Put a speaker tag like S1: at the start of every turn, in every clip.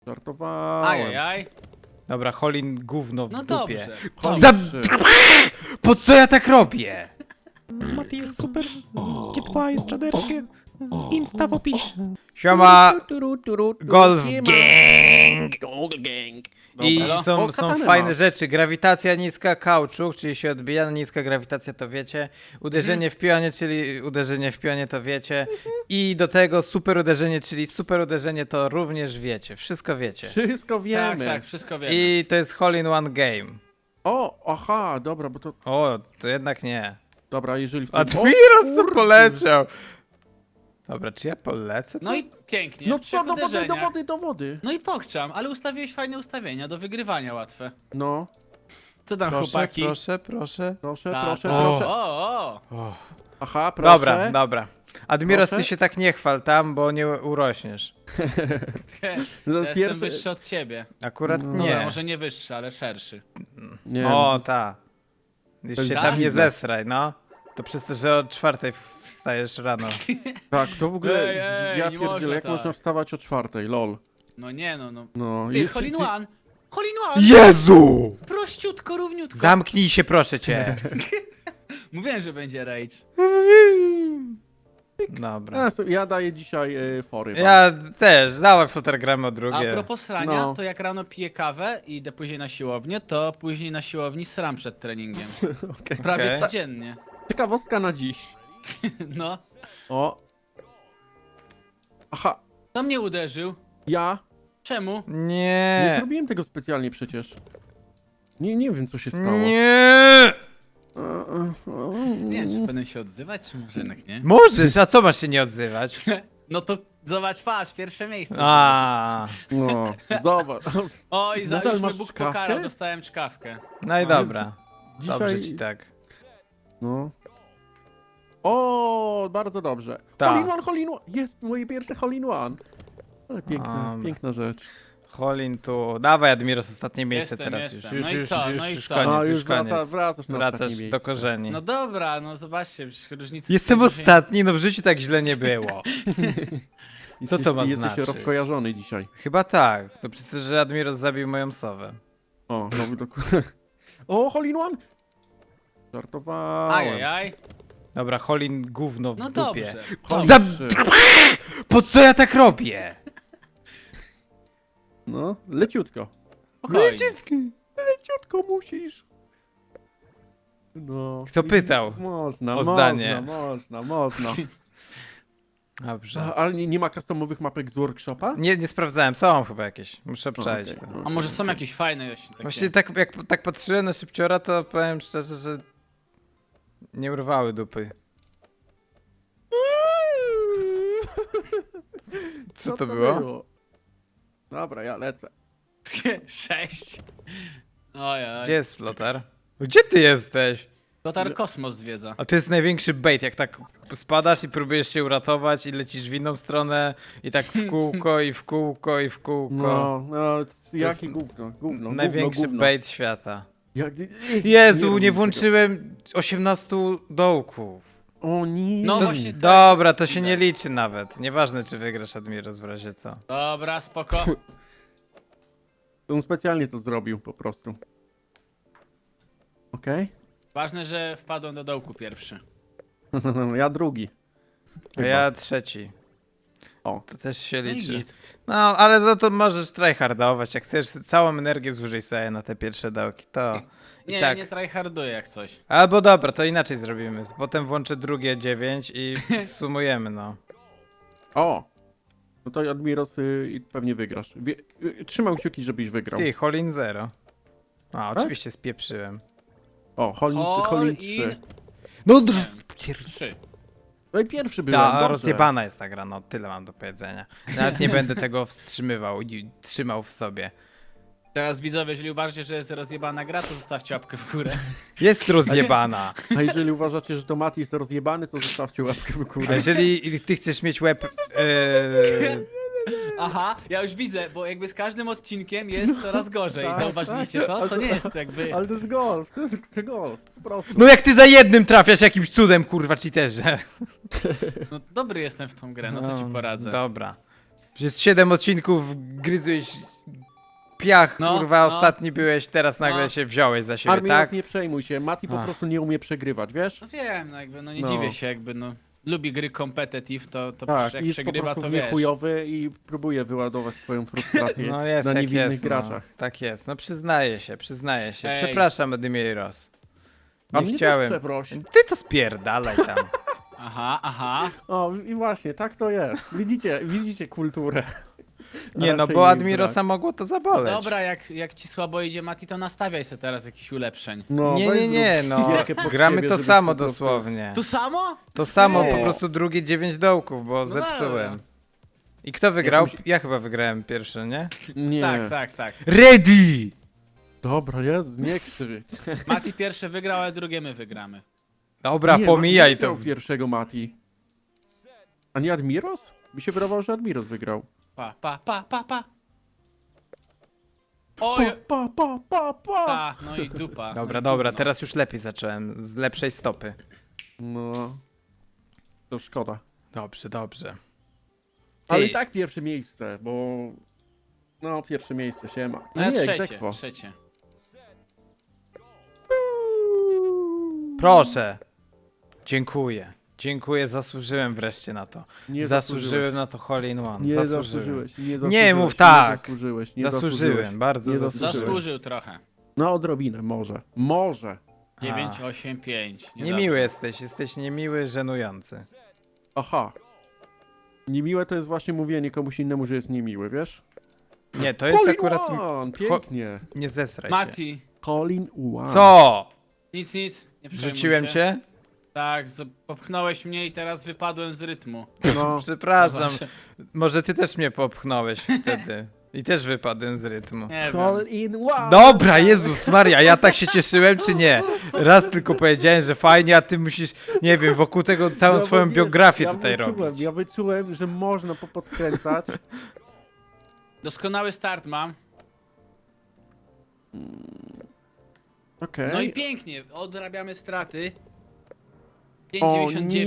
S1: Żartowałem.
S2: Ajajaj.
S3: Dobra, Holin gówno w
S2: No
S3: dupie.
S2: dobrze.
S3: Po co ja tak robię?
S4: Mati jest super, G2 jest czaderskie, Insta w opisie.
S3: Siema, Golf Gang! I
S1: Dobra.
S3: są
S1: O, katanę
S3: fajne
S1: ma.
S3: rzeczy. Grawitacja niska, kauczuk, czyli się odbija. Niska grawitacja to wiecie. Uderzenie w pionie, czyli uderzenie w pionie to wiecie. I do tego super uderzenie, czyli super uderzenie to również wiecie. Wszystko wiecie.
S1: Wszystko
S2: Tak,
S1: wiemy.
S2: tak, wszystko wiemy.
S3: I to jest Hole in One Game.
S1: O, aha, dobra, bo to...
S3: O, to jednak nie.
S1: Dobra, jeżeli w tym...
S3: Admiros co
S1: kurde.
S3: poleciał. Dobra, czy ja polecę?
S2: No i pięknie.
S1: No
S2: trzech
S1: co, do wody,
S2: uderzeniach.
S1: do wody, do wody.
S2: No i pokczam, ale ustawiłeś fajne ustawienia, do wygrywania łatwe.
S1: No,
S2: Co tam,
S3: Proszę,
S2: chłopaki?
S3: proszę, proszę.
S1: proszę,
S2: Ta,
S1: proszę,
S2: ta.
S1: proszę.
S2: O.
S1: Aha, proszę.
S3: Dobra, dobra. Admiros,
S1: Proszę?
S3: ty się tak nie chwal tam, bo nie urośniesz.
S1: No,
S2: Ja jestem wyższy od ciebie.
S3: Akurat
S1: No.
S2: Dobra,
S3: nie.
S2: może nie wyższy, ale szerszy.
S1: Nie,
S3: O,
S1: z-
S3: ta. Już
S1: To
S3: się
S1: jest
S3: tam nie
S1: dziwne.
S3: zesraj, no. To przez to, że o 4:00 wstajesz rano.
S1: Tak, to w ogóle...
S2: Ej,
S1: ja
S2: nie
S1: pierdzielę,
S2: można
S1: jak
S2: tak.
S1: można wstawać o 4:00, lol.
S2: No nie no.
S1: No,
S2: Ty,
S1: jeszcze
S2: hole in
S1: ci-
S2: one! Hole in one!
S3: Jezu!
S2: Prościutko, równiutko.
S3: Zamknij się, proszę cię.
S2: Mówiłem, że będzie rage.
S3: Dobra.
S1: Ja daję dzisiaj fory. wam.
S3: Ja też, dałem fluttergramy o
S2: A
S3: drugie.
S2: propos srania,
S1: No.
S2: to jak rano piję kawę i idę później na siłownię, to później na siłowni sram przed treningiem.
S1: Okej.
S2: Prawie
S3: Okej.
S2: codziennie.
S1: Ciekawostka na dziś.
S2: No.
S1: O. Aha,
S2: Kto mnie uderzył?
S1: ja
S2: Czemu?
S1: nie
S3: Nie.
S1: zrobiłem tego specjalnie przecież. Nie wiem, co się stało.
S3: Nie.
S2: Nie wiem, czy powinienem się odzywać, czy może jednak nie?
S3: Możesz, a co masz się nie odzywać?
S2: No to zobacz, patrz, pierwsze miejsce.
S3: A.
S1: No, zobacz.
S2: Oj, za
S1: Nadal
S2: już mnie
S1: masz
S2: Bóg
S1: czkawkę?
S2: pokarał, dostałem czkawkę.
S3: No i dobra.
S1: Dzisiaj...
S3: Dobrze ci tak.
S1: No. O, bardzo dobrze.
S3: Tak.
S1: Hole in one, hole in one. Jest moje pierwsze hole in one. Ale piękna,
S3: Dobra.
S1: piękna rzecz.
S3: Holin tu. Dawaj, Admiros, ostatnie miejsce
S2: Jestem,
S3: teraz
S2: jestem.
S3: już.
S2: No i
S3: Już,
S2: co?
S3: już,
S2: No i
S3: już
S2: co?
S3: koniec,
S1: No,
S3: już
S1: już
S3: koniec.
S1: wracasz na
S3: Wracasz
S1: ostatnie
S3: do
S1: miejsce.
S3: korzeni.
S2: No dobra, no zobaczcie, przecież różnicy...
S3: Jestem
S2: tutaj dużej-
S3: ostatni, no w życiu tak źle nie było. Co to ma
S1: Jesteś
S3: znaczyć?
S1: rozkojarzony dzisiaj.
S3: Chyba tak. To przez to, że Admiros zabił moją sowę.
S1: O, no dokładnie. O, hole in one! Żartowałem.
S2: Ajajaj.
S3: Dobra, Holin gówno w
S2: No
S3: dupie.
S2: dobrze.
S1: Hole
S3: Za-
S1: in trzy.
S3: Po co ja tak robię?
S1: No, leciutko.
S2: Spokojnie.
S1: Leciutko musisz. No.
S3: Kto pytał
S1: Można,
S3: o
S1: można,
S3: zdanie?
S1: można.
S3: Dobrze.
S1: Ale nie ma customowych mapek z workshopa?
S3: Nie sprawdzałem, są chyba jakieś. Muszę obczaić
S1: okej.
S3: to.
S2: A może są jakieś fajne właśnie takie?
S3: Właściwie tak, jak tak patrzyłem na szybciora, to powiem szczerze, że nie urwały dupy. Co to było?
S1: Dobra, ja lecę.
S2: 6. Ojej.
S3: Gdzie jest flotar? Gdzie ty jesteś?
S2: Lotar kosmos zwiedza.
S3: A to jest największy bait, jak tak spadasz i próbujesz się uratować i lecisz w inną stronę i tak w kółko i w kółko i w kółko.
S1: No,
S3: jest
S1: jakie gówno.
S3: Największy
S1: gówno.
S3: bait świata.
S1: Jak...
S3: Jezu,
S1: rób
S3: nie
S1: tego.
S3: włączyłem 18 dołków.
S1: O nie.
S2: No
S3: To,
S2: właśnie tak.
S3: dobra, to się
S2: widać.
S3: nie liczy nawet. Nieważne, czy wygrasz Admiros w razie co.
S2: Dobra, spoko.
S1: On specjalnie to zrobił po prostu. Okej?
S2: Ważne, że wpadłem do dołku pierwszy.
S1: Ja drugi.
S3: A
S1: Chyba.
S3: ja trzeci.
S1: O.
S3: To też się
S2: No i
S3: liczy.
S2: git.
S3: No, ale to możesz tryhardować. Jak chcesz całą energię zużyj sobie na te pierwsze dołki, to i
S2: Nie,
S3: tak.
S2: nie tryharduję jak coś.
S3: Albo dobra, to inaczej zrobimy. Potem włączę drugie 9 i sumujemy, no.
S1: O! No to Admiros i pewnie wygrasz. Trzymam kciuki, żebyś wygrał.
S3: Ty, Holin 0. A,
S1: Tak?
S3: oczywiście spieprzyłem.
S1: O, Holin 3.
S3: No,
S2: 3.
S1: No i pierwszy byłem,
S3: ta
S1: dobrze.
S3: rozjebana jest ta gra, no tyle mam do powiedzenia. Nawet nie będę tego wstrzymywał i trzymał w sobie.
S2: Teraz widzowie, jeżeli uważacie, że jest rozjebana gra, to zostawcie łapkę w górę.
S3: Jest rozjebana.
S1: A jeżeli uważacie, że to Mati jest rozjebany, to zostawcie łapkę w
S3: A
S1: górę.
S3: jeżeli ty chcesz mieć łeb...
S2: Aha, ja już widzę, bo jakby z każdym odcinkiem jest coraz gorzej.
S1: Tak,
S2: Zauważyliście
S1: tak,
S2: to?
S1: ale
S2: To nie jest jakby...
S1: Ale to jest golf, to jest golf, po prostu.
S3: No jak ty za jednym trafiasz jakimś cudem, kurwa, cheaterze.
S2: No dobry jestem w tą grę, no co ci poradzę.
S3: Dobra. Przez 7 odcinków gryzłeś piach,
S2: No,
S3: kurwa,
S2: no.
S3: ostatni byłeś, teraz nagle
S2: No.
S3: się wziąłeś za siebie,
S1: Admiros,
S3: tak?
S1: nie przejmuj się, Mati po
S3: Ach.
S1: prostu nie umie przegrywać, wiesz?
S2: No wiem, no jakby, no nie
S1: No.
S2: dziwię się, jakby, no. Lubi gry competitive, to
S1: Tak,
S2: jak
S1: i jest po
S2: przegrywa,
S1: prostu
S2: to wiesz.
S1: niechujowy i próbuje wyładować swoją frustrację
S3: No jest,
S1: na
S3: jak
S1: niewinnych
S3: jest,
S1: graczach.
S3: No, tak jest, no przyznaję się.
S2: Ej.
S3: Przepraszam, Admiros.
S1: A
S3: Nie
S1: mnie
S3: chciałem.
S1: też przeproś.
S3: Ty to spierdalaj tam.
S2: Aha.
S1: O, i właśnie, tak to jest. Widzicie kulturę.
S3: Nie, no
S1: Raczej
S3: bo
S1: jej
S3: Admirosa mogło to zaboleć.
S2: Dobra, jak ci słabo idzie, Mati, to nastawiaj sobie teraz jakichś ulepszeń.
S1: No,
S3: Nie,
S1: weź
S3: nie, nie,
S1: zrób
S3: no.
S1: gierkę pod
S3: Gramy
S1: siebie,
S3: to
S1: żebyś
S3: samo
S1: po prostu-
S3: dosłownie.
S2: To samo?
S3: To samo,
S1: Nie.
S3: po prostu drugie 9 dołków, bo
S2: dobra.
S3: zepsułem. I kto wygrał?
S1: Jakąś-
S3: Ja chyba wygrałem pierwszy, nie?
S1: Nie.
S2: Tak.
S3: Ready!
S1: Dobra, jest, nie krzycz.
S2: Mati pierwszy wygrał, ale drugie my wygramy.
S3: Dobra,
S1: Nie,
S3: pomijaj
S1: Mati
S3: to.
S1: wygrał pierwszego Mati. A nie Admiros? Mi się wydawało, że Admiros wygrał.
S2: Pa. Oj,
S1: Pa.
S2: no i dupa.
S3: Dobra,
S2: no i
S3: dobra,
S2: gówno.
S3: teraz już lepiej zacząłem. Z lepszej stopy.
S1: No. To szkoda.
S3: Dobrze.
S1: Ale
S3: Ty.
S1: i tak pierwsze miejsce, bo... No, pierwsze miejsce, siema.
S2: No ja
S1: nie,
S2: trzecie.
S1: egzekwo.
S3: Proszę. Dziękuję, zasłużyłem wreszcie na to.
S1: Nie
S3: Zasłużyłem na to hole in one.
S1: Nie
S3: Zasłużyłem.
S1: zasłużyłeś. Nie,
S3: Nie
S1: zasłużyłeś,
S3: mów tak.
S1: Nie zasłużyłeś. Nie
S3: Zasłużyłem, bardzo
S1: Nie
S3: zasłużyłem.
S2: Zasłużył trochę.
S1: No, odrobinę, może. Może.
S2: 9, 8, 5.
S3: Niemiły jesteś niemiły, żenujący.
S1: Aha. Niemiłe to jest właśnie mówienie komuś innemu, że jest niemiły, wiesz?
S3: Nie, to jest
S1: Colin
S3: akurat...
S1: One, pięknie.
S3: Nie zesraj się.
S2: Mati,
S1: Colin One.
S3: Co?
S2: nic, nie przejmuj
S3: Zrzuciłem
S2: się.
S3: cię?
S2: Tak, popchnąłeś mnie i teraz wypadłem z rytmu.
S1: No,
S3: Przepraszam.
S2: Zobacz.
S3: Może ty też mnie popchnąłeś wtedy. I też wypadłem z rytmu.
S2: Nie wiem.
S1: Colin One.
S3: Dobra, Jezus Maria, ja tak się cieszyłem, czy nie? Raz tylko powiedziałem, że fajnie, a ty musisz, nie wiem, wokół tego całą
S1: No,
S3: swoją
S1: bo wiesz,
S3: biografię
S1: ja
S3: tutaj
S1: wyczułem,
S3: robić.
S1: Ja wyczułem, że można popodkręcać.
S2: Doskonały start mam.
S1: Okej.
S2: No i pięknie, odrabiamy straty.
S1: O
S2: 5,99.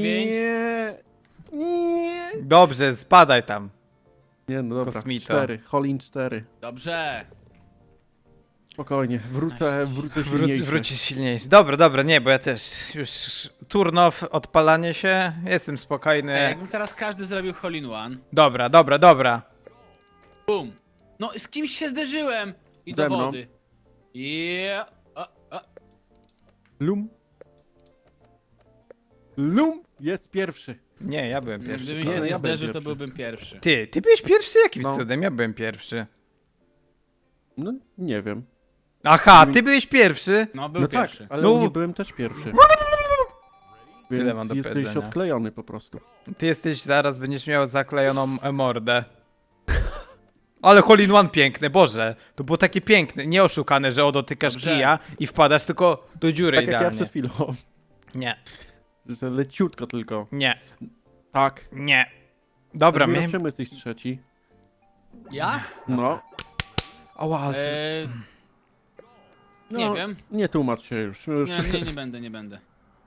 S1: Nie.
S3: Dobrze, spadaj tam.
S1: Nie, no dobra.
S3: Kosmito.
S1: 4. Colin 4.
S2: Dobrze.
S1: Spokojnie. Wrócę silniejszy.
S3: Wrócisz silniejszy. Dobra, nie, bo ja też już turn off, odpalanie się, jestem spokojny.
S2: Jakbym teraz każdy zrobił hole in one.
S3: Dobra.
S2: Bum. No z kimś się zderzyłem. I
S1: Ze
S2: do
S1: mną.
S2: wody. Yeah.
S1: Lum jest pierwszy.
S3: Nie, ja byłem pierwszy.
S2: Gdybym
S1: Nie,
S2: się
S1: no
S2: nie
S1: ja byłem
S2: zderzył, to
S1: pierwszy.
S2: byłbym pierwszy.
S3: Ty byłeś pierwszy? Jakim
S1: No.
S3: cudem? Ja byłem pierwszy.
S1: No, nie wiem.
S3: Aha, ty byłeś pierwszy?
S2: No był
S1: No
S2: pierwszy.
S1: tak, ale
S3: No.
S1: u mnie byłem też pierwszy.
S3: Tyle mam do
S1: Więc jesteś
S3: powiedzenia.
S1: odklejony po prostu.
S3: Ty jesteś, zaraz będziesz miał zaklejoną mordę. Ale hole in one piękne, Boże. To było takie piękne, nie oszukane, że dotykasz
S2: Dobrze.
S3: kija i wpadasz tylko do dziury
S1: Tak jak ja
S3: idealnie.
S1: przed chwilą.
S3: Nie,
S1: Że leciutko tylko. Tak.
S3: nie. Dobra,
S1: Admiros,
S3: my...
S1: czemu jesteś trzeci?
S2: Ja?
S1: No.
S3: Ała,
S2: Nie
S1: No,
S2: wiem.
S1: Nie tłumacz się już.
S2: Nie będę.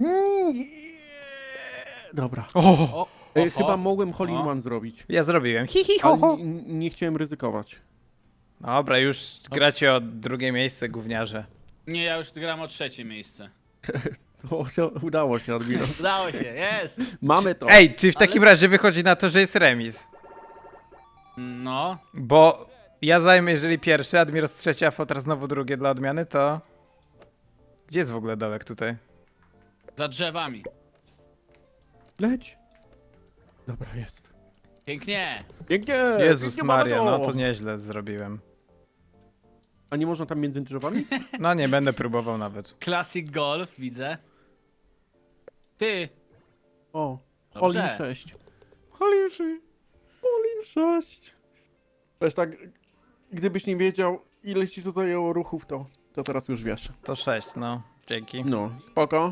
S1: Dobra.
S3: O,
S1: Chyba mogłem Hole in
S2: O.
S1: One zrobić.
S3: ja zrobiłem. Hi,
S1: Ale
S3: ho.
S1: nie chciałem ryzykować.
S3: Dobra, już gracie o drugie miejsce, gówniarze.
S2: Nie, ja już gram o trzecie miejsce.
S1: Udało się, Admiros.
S2: Udało się, jest!
S1: Mamy to.
S3: Ej, czy w takim razie wychodzi na to, że jest remis?
S2: No,
S3: Bo ja zajmę, jeżeli pierwszy, Admiros trzeci, a Fotra znowu drugie dla odmiany, to... Gdzie jest w ogóle dołek tutaj?
S2: za drzewami.
S1: Leć. Dobra, jest.
S2: Pięknie!
S1: Pięknie!
S3: Jezus
S1: pięknie mamy
S3: Maria, no to nieźle zrobiłem.
S1: A nie można tam między drzewami?
S3: No nie będę próbował nawet.
S2: Classic Golf, widzę. Ty!
S1: O,
S2: Dobrze.
S1: Hole in 6. Hole in 6. Wiesz tak, gdybyś nie wiedział, ile ci to zajęło ruchów, to teraz już wiesz.
S3: To 6, no. Dzięki.
S1: No, spoko.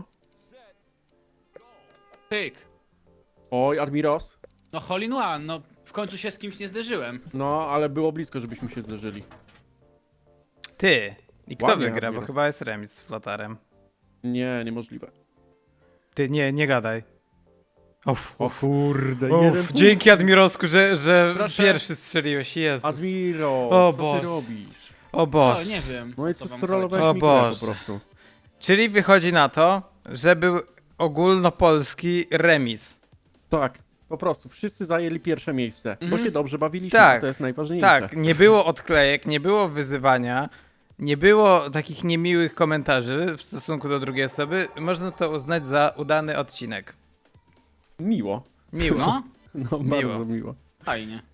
S2: Pyk!
S1: Oj, Admiros.
S2: No hole in one, no w końcu się z kimś nie zderzyłem.
S1: No, ale było blisko, żebyśmy się zderzyli.
S3: Ty! I kto
S1: Ładnie,
S3: wygra, bo
S1: Admiros.
S3: chyba jest remis z Flotarem.
S1: Nie, niemożliwe.
S3: Ty, nie gadaj. Uff,
S1: O kurde,
S3: uff, dzięki Admirosku, że
S2: Proszę.
S3: pierwszy strzeliłeś, Jezus.
S1: Admiros,
S3: O
S1: co
S3: Boże.
S1: ty robisz?
S3: O Boże.
S2: Co? Nie wiem.
S1: No i
S2: co
S1: tu
S2: wam
S1: strollowałeś
S3: O
S1: mi grę
S3: Boże.
S1: po prostu.
S3: Czyli wychodzi na to, że był ogólnopolski remis.
S1: Tak, po prostu. Wszyscy zajęli pierwsze miejsce, bo się dobrze bawiliśmy,
S3: Tak,
S1: to jest najważniejsze.
S3: Tak, nie było odklejek, nie było wyzywania, nie było takich niemiłych komentarzy w stosunku do drugiej osoby. Można to uznać za udany odcinek.
S1: Miło.
S3: Miło.
S2: No,
S1: No, bardzo miło.
S2: fajnie.